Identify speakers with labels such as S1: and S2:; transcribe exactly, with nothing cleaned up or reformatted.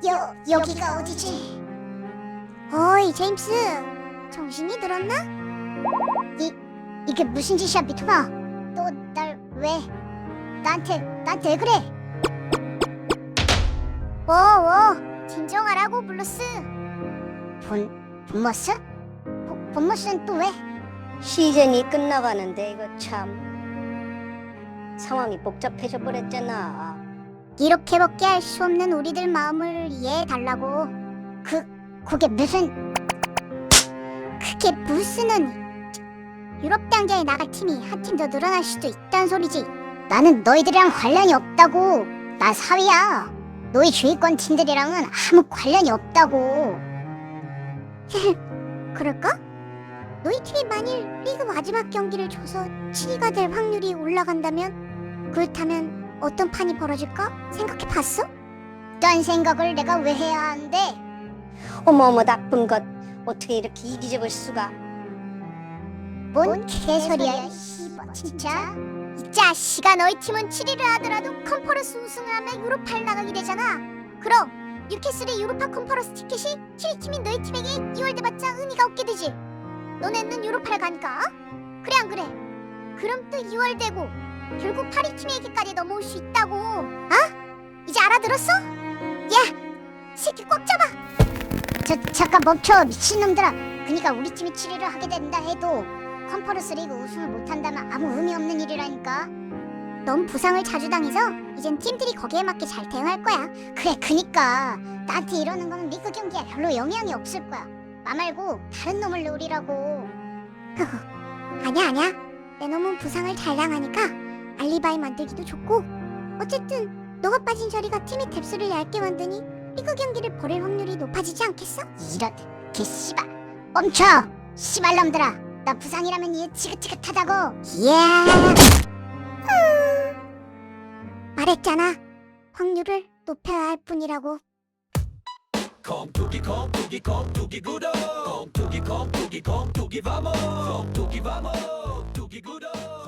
S1: 여, 여기가 어디지? 어이 제임스, 정신이 들었나? 이, 이게 무슨 짓이야 미토마? 또 날 왜? 나한테, 나한테 왜 그래? 워워, 진정하라고 블루스. 본, 본머스? 본, 본머스는 또 왜?
S2: 시즌이 끝나가는데 이거 참 상황이 복잡해져 버렸잖아.
S1: 이렇게밖에 할 수 없는 우리들 마음을 이해해달라고. 그, 그게 무슨... 그게 무슨은... 유럽 당자에 나갈 팀이 한 팀 더 늘어날 수도 있다는 소리지. 나는 너희들이랑 관련이 없다고. 나 사위야. 너희 주위권 팀들이랑은 아무 관련이 없다고. 그럴까? 너희 팀이 만일 리그 마지막 경기를 줘서 칠 위가 될 확률이 올라간다면, 그렇다면 어떤 판이 벌어질까? 생각해봤어? 딴 생각을 내가 왜 해야 하는데?
S2: 어머어머 나쁜 것, 어떻게 이렇게 이기적일 수가.
S1: 뭔 개소리야, 씨발 진짜. 이 자식아, 너희 팀은 칠 위를 하더라도 컨퍼런스 우승을 하면 유로파를 나가게 되잖아. 그럼 뉴캐슬의 유로파 컨퍼런스 티켓이 칠 위 팀인 너희 팀에게 이월 돼봤자 의미가 없게 되지. 너네는 유로파를 가니까. 그래 안 그래? 그럼 또 이월 되고 결국 팔 위 팀에게까지 넘어올 수 있다고. 어? 이제 알아들었어? 야, 새끼 꽉 잡아. 저 잠깐 멈춰, 미친놈들아. 그니까 우리 팀이 칠 위를 하게 된다 해도 컨퍼런스 리그 우승을 못한다면 아무 의미 없는 일이라니까. 넌 부상을 자주 당해서 이젠 팀들이 거기에 맞게 잘 대응할 거야. 그래, 그니까 나한테 이러는 건 리그 경기에 별로 영향이 없을 거야. 나 말고 다른 놈을 노리라고. 아니야 아니야, 내 놈은 부상을 잘 당하니까 알리바이 만들기도 좋고, 어쨌든 너가 빠진 자리가 팀의 뎁스를 얇게 만드니 리그 경기를 벌일 확률이 높아지지 않겠어? 이런 개씨발. 멈춰, 씨발놈들아. 나 부상이라면 얘 지긋지긋하다고. 예. 말했잖아, 확률을 높여야 할 뿐이라고.
S3: 콩투기 콩투기 콩투기 구독 콩투기 콩투기 콩투기 바모 콩투기 바모